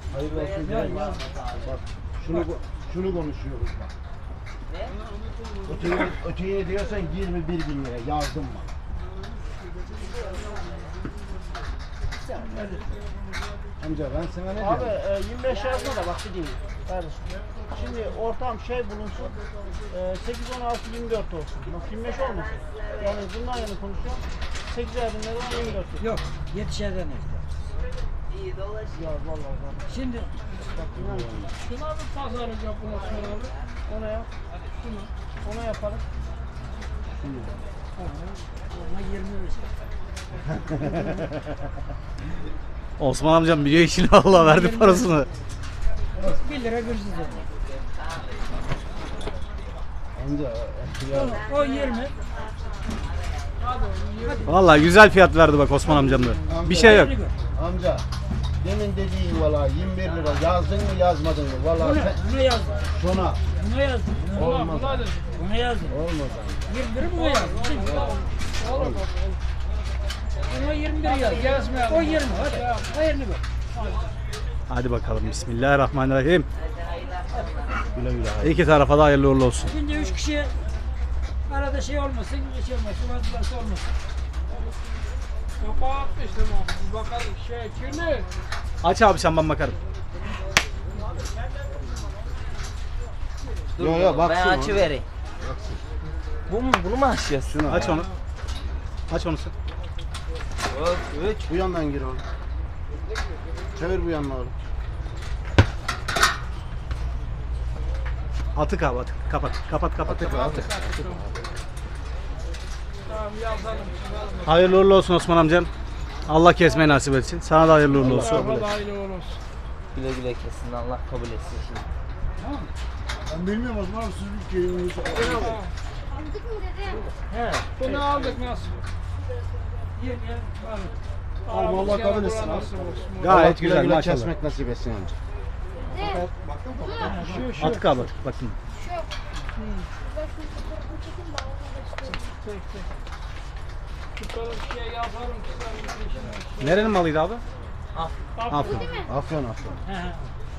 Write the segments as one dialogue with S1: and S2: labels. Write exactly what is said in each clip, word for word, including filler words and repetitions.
S1: Hayırlı olsun diyelim. Bak şunu şunu konuşuyoruz bak. Öteyi, öteyi diyorsan yirmi bir bin lira yazdım bak. Amca ben sana ne
S2: Abi
S1: diyorum?
S2: e, yirmi beş yazma da bak bir değil. Kardeşim. Şimdi ortam şey bulunsun. E, sekiz on altı yirmi dört olsun. Bak yirmi beş olmasın. Yani bundan yana konuşuyorum. sekiz bin lira yirmi dört.
S3: Yok, yetişerden işte.
S2: Ya vallahi vallahi.
S3: Şimdi
S2: Bak inan ki.
S4: Şuna bir pazarlık yapın Osman abi.
S2: Ona yap. Şunu. Ona yaparım.
S3: ona yirmi verecek.
S5: Osman amcam biliyor işini Allah verdi parasını.
S3: bir lira gürsüz dedi.
S1: Amca ya.
S3: O, o yirmi.
S5: Vallahi güzel fiyat verdi bak Osman amcam da. Bir şey yok.
S1: Amca demin dediğin valla yirmi bir lira yazdın mı yazmadın mı? Valla
S3: Buna,
S1: sen
S3: buna yazdım.
S1: şuna
S3: Buna yazdım. Buna,
S1: olmaz.
S3: buna yazdım.
S1: Olmaz
S3: yirmi biri buna yazdım.
S4: Olur bak.
S3: Buna yirmi bir yazdım.
S4: Gezmeyelim.
S3: O yirmi. Hadi. O yirmi bir.
S5: Hadi bakalım bismillahirrahmanirrahim.
S1: Güle güle.
S5: İki tarafa da hayırlı uğurlu olsun.
S3: Şimdi üç kişi arada şey olmasın, bir şey olmasın, vazgeçmesi olmasın.
S4: Kapağı atmıştım abi. Bir bakalım şey kirli.
S5: Aç abi sen ben bakarım.
S1: Yo yo bak
S6: Ben açı vereyim. Bu mu? Bunu mu açacağız?
S1: şuna.
S5: Aç onu. Aç onu sen.
S6: üç.
S1: Bu yandan gir oğlum. Çevir bu yanına oğlum.
S5: Atık abi atık. Kapat. Kapat kapat.
S1: Atık atık.
S4: Tamam yazalım.
S5: Hayırlı uğurlu olsun Osman amcam. Allah kesmeyi nasip etsin. Sana da hayırlı uğurlu olsun.
S4: Tarafa da hayırlı uğurlu olsun.
S6: Güle güle kesin. Allah kabul etsin şimdi.
S1: Ben bilmiyorum Osman abi siz bir köyünüzü.
S7: Aldık mı dede?
S6: He.
S4: Bunu aldık nasıl?
S3: yirmi var.
S1: Oğlum Allah
S4: Aramız
S1: kabul
S4: gene
S1: etsin.
S4: bura nasıl olsun?
S5: Gayet güzel
S1: güle
S5: maşallah.
S1: kesmek nasip etsin amca.
S7: Dede.
S4: Şu şu.
S5: Atık abi atık. Bakın.
S7: Şu. Bak şu fotoğrafını çekin bana onu da
S4: Çek çek. Tutalım şey yaparım ki sen bir peşine.
S5: Nerenin malıydı abi?
S4: Aferin.
S5: Afyon.
S1: Afyon afyon.
S3: He he.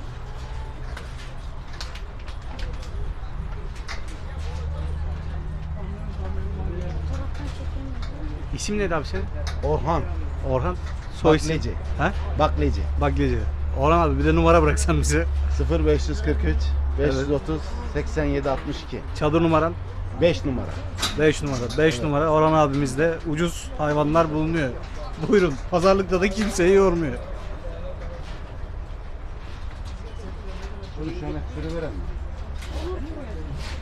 S7: fotoğrafını çekin.
S5: İsim neydi abi senin?
S1: Orhan.
S5: Orhan. Soy isim.
S1: Bakleci.
S5: Ha?
S1: Bakleci.
S5: Bakleci. Orhan abi bir de numara bıraksan bize.
S1: sıfır beş yüz kırk üç beş yüz otuz seksen yedi altmış iki.
S5: Çadır numaran.
S1: beş numara.
S5: beş numara. beş numara. Orhan abimizde ucuz hayvanlar bulunuyor. Buyurun. Pazarlıkta da kimseyi yormuyor.
S1: Şunu şöyle sürüveren mi?